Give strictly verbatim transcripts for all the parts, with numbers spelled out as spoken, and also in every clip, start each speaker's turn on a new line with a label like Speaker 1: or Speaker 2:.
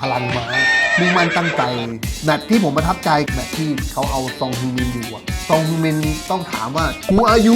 Speaker 1: พลังม้ามุ่งมั่นตั้งใจแมตช์ที่ผมประทับใจแมตช์ที่เขาเอาซองฮึงมินอยู่อะซองฮึงมินต้องถามว่า Who are you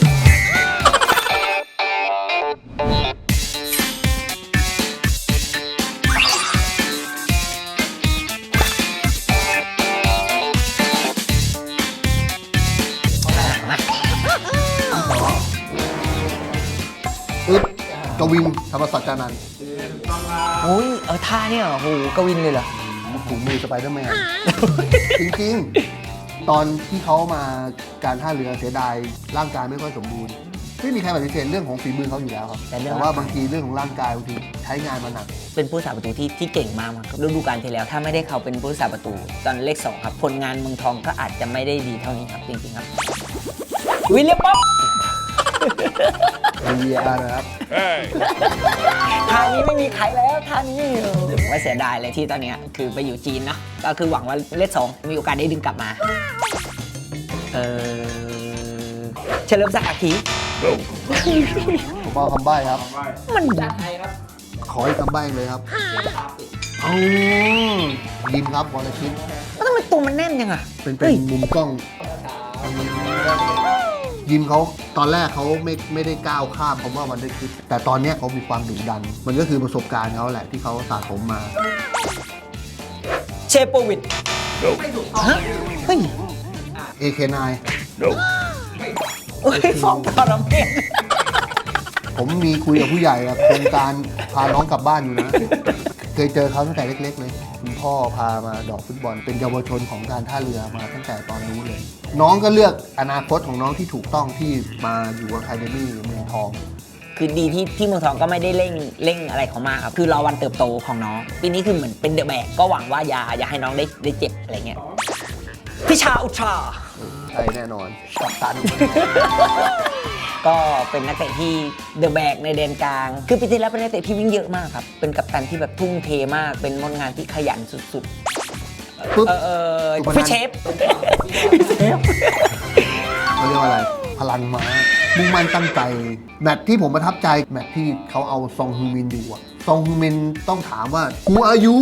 Speaker 1: อึ๊บกวินธรรมศักดิ์จานันท์
Speaker 2: โอ้ยเออท่าเนี่ยโอ้โหกวินเลยเหรอ
Speaker 1: ถุงมือสไปเดอร์แมน จริงๆ ตอนที่เขามาการท่าเรือเสียดายร่างกายไม่ค่อยสมบูรณ์ไม่มีใครปฏิเสธเรื่องของฝีมือเขาอยู่แล้วครับ
Speaker 2: แต่เรื่อง
Speaker 1: แต่ว่าบางทีเรื่องของร่างกายบางทีใช้งานมาหนัก
Speaker 2: เป็นผู้สาประตูที่ที่เก่งมากครับฤดูกาลที่แล้วถ้าไม่ได้เขาเป็นผู้สาประตูตอนเลขสองครับผลงานเมืองทองก็อาจจะไม่ได้ดีเท่านี้ครับจริงๆครับวิลเลียมป๊อป
Speaker 1: วี อาร์ นะครับ
Speaker 2: ท่านี้ไม่มีใครแล้วท่านี้ว่าเสียดายเลยที่ตอนนี้คือไปอยู่จีนนะก็คือหวังว่าเลขสองมีโอกาสได้ดึงกลับมาเออเฉลิมศักดิ์อาคี
Speaker 1: ผมเอาคำใบ้ครับ
Speaker 2: มัน
Speaker 1: ขออีกคำใบ้เลยครับเอายิมครับวรชิต
Speaker 2: แล้วทำไมตัวมันแน่นยังอ่ะ
Speaker 1: เป็นเป็นมุมกล้อง ยิมเขาตอนแรกเขาไม่ไม่ได้ก้าวข้ามคำว่าวันได้คิดแต่ตอนนี้เขามีความดุดัน มันก็คือประสบการณ์เขาแหละที่เขาสะสมมา
Speaker 2: เชโปวิดฮะเฮ้ย
Speaker 1: เอ เค ไนน์
Speaker 2: เฮ้ยฟองคาราเมล
Speaker 1: ผมมีคุยกับผู้ใหญ่อะโครงการพาน้องกลับบ้านอยู่นะ เคยเจอเขาตั้งแต่เล็กๆเลยคุณพ่อพามาดอกฟุตบอลเป็นเยาวชนของการท่าเรือมาตั้งแต่ตอนนู้นเลย น้องก็เลือกอนาคตของน้องที่ถูกต้องที่มาอยู่อะคาเดมี่เมืองทอง
Speaker 2: คือดีที่ที่เมืองทองก็ไม่ได้เร่งเร่งอะไรเขามากครับคือรอวันเติบโตของน้องปีนี้คือเหมือนเป็นเดอะแบกก็หวังว่าอย่าอย่าให้น้องได้ได้เจ็บอะไรเงี้ยพิชาอุทรา
Speaker 1: ใช่แน่นอนกัปตัน
Speaker 2: ก็เป็นนักเตะที่เดอะแบกในแดนกลาง คือปีที่แล้วเป็นนักเตะที่วิ่งเยอะมากครับ เป็นกัปตันที่แบบทุ่มเทมาก เป็นมนงานที่ขยันสุด
Speaker 1: ปุ๊บ
Speaker 2: ๆ เออเออ
Speaker 1: สุพนัน
Speaker 2: พี่เชฟพี่เชฟ
Speaker 1: เขาเรียกว่าอะไร พลังม้ามุ่งมั่นตั้งใจแมตช์ที่ผมประทับใจแมตช์ที่เขาเอาซองฮึงมินอยู่อะซองฮึงมินต้องถามว่า Who are you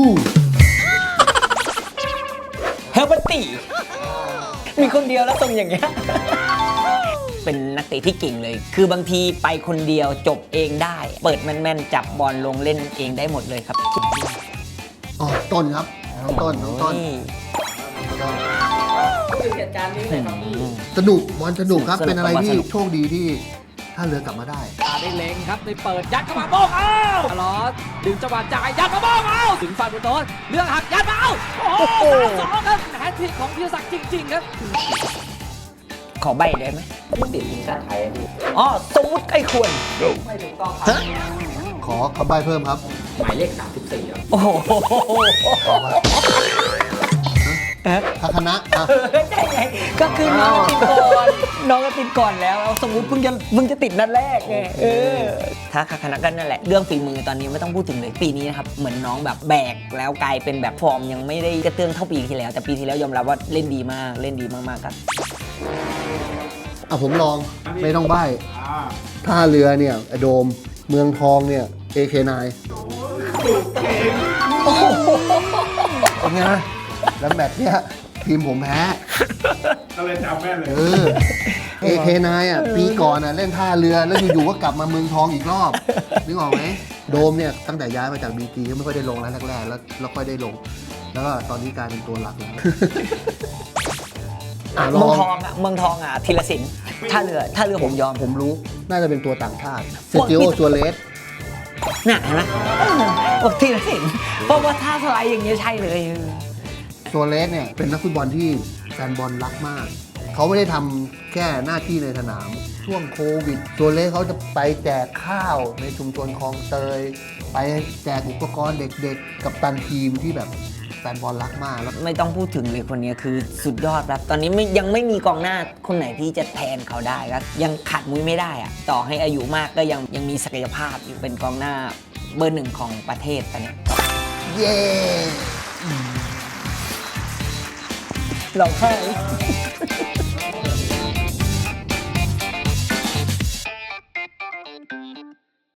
Speaker 2: เฮลเบอร์ตี้มีคนเดียวแล้วทรงอย่างเงี้ย เป็นนักเตะที่เก่งเลย คือบางทีไปคนเดียวจบเองได้ เปิดแม่นๆจับบอลลงเล่นเองได้หมดเลยครับ
Speaker 1: อ๋อต้นครับน้องต้นน้องต้น
Speaker 2: เหตุการณ์นี้เลยครับพี่
Speaker 1: สนุกบอลสนุกครับ
Speaker 2: สนุก
Speaker 1: เป็นอะไรที่
Speaker 2: สนุก
Speaker 1: โชคดีที่ถ้าเรือกลับมาได้
Speaker 3: ได้เล็งครับได้เปิดยัดเข้ามาโป้งเอ้าตลอดดึงจังหวะจ่ายยัดมาโป้งเอ้าถึงฝั่งบุตรเลือกหักยัดมาเอ้าโอ้โหสองครับแฮตทริกของธีรศักดิ์จริงๆครับ
Speaker 2: ขอใบได้ไหมผู้ติดทีมชาติไทยอ๋อสมมุติใกล้ควร
Speaker 3: ไม่ถูกต้องครับ
Speaker 1: ขอคำใบ้เพิ่มครับ
Speaker 3: หมายเลขสามสิบสี่ครับ
Speaker 2: โอ้โห
Speaker 1: ทัคนะอ่ะ
Speaker 2: เออใช่ไงก็คือน้องติดก่อนน้องก็ติดก่อนแล้วเอาสมมุติเพิ่งจะเพิ่งจะติดนัดแรกไงเออถ้าคณะกันนั่นแหละเรื่องฝีมือตอนนี้ไม่ต้องพูดถึงเลยปีนี้นะครับเหมือนน้องแบบแบกแล้วกลายเป็นแบบฟอร์มยังไม่ได้กระเตื้องเท่าปีที่แล้ว แต่ปีที่แล้วยอมรับว่าเล่นดีมากเล่นดีมากๆครับ
Speaker 1: อ่ะผมลองไม่ต้องใบ้ท่าเรือเนี่ยไอโดมเมืองทองเนี่ย เอ เค ไนน์ เป็นไงแล้วแมตช์เนี่ยทีมผมแพ้
Speaker 4: ก็เลยจำแม่นเลย
Speaker 1: เออ เอ เค ไนน์ อ่ะปีก่อนอ่ะเล่นท่าเรือแล้วอยู่ๆก็กลับมาเมืองทองอีกรอบนึกออกไหมโดมเนี่ยตั้งแต่ย้ายมาจากบีจีก็ไม่ค่อยได้ลงแล้วแรกๆแล้วแล้วค่อยได้ลง แล้วก็ตอนนี้กลายเป็นตัวหลักแล้วอ่ะล
Speaker 2: เมื
Speaker 1: อ
Speaker 2: อง
Speaker 1: ง
Speaker 2: ทองอ่ะเมืองทองอ่ะธีรศิลป์ท่าเรือท่าเรือผมยอม
Speaker 1: ผมรู้น่าจะเป็นตัวต่างชาติเซจิโอซัวเรส
Speaker 2: น่ะเห็นไหมเออบอกธีรศิลป์เพราะว่าท่าสไลด์อย่างเงี้ยใช่เลย
Speaker 1: ซัวเรสเนี่ยเป็นนักฟุตบอลที่แฟนบอลรักมาก เขาไม่ได้ทำแค่หน้าที่ในสนาม ช่วงโควิดซัวเรสเขาจะไปแจกข้าวในชุมชนคลองเตย ไปแจกอุปกรณ์เด็กๆ กับตันทีมที่แบบแฟนบอลรักมากแล้ว
Speaker 2: ไม่ต้องพูดถึงเลยคนนี้คือสุดยอดครับ ตอนนี้ไม่ยังไม่มีกองหน้าคนไหนที่จะแทนเขาได้ครับยังขาดมุ้ยไม่ได้อะต่อให้อายุมากก็ยังยังมีศักยภาพอยู่เป็นกองหน้าเบอร์หนึ่งของประเทศตอนนี้
Speaker 1: เย้
Speaker 2: เราแค่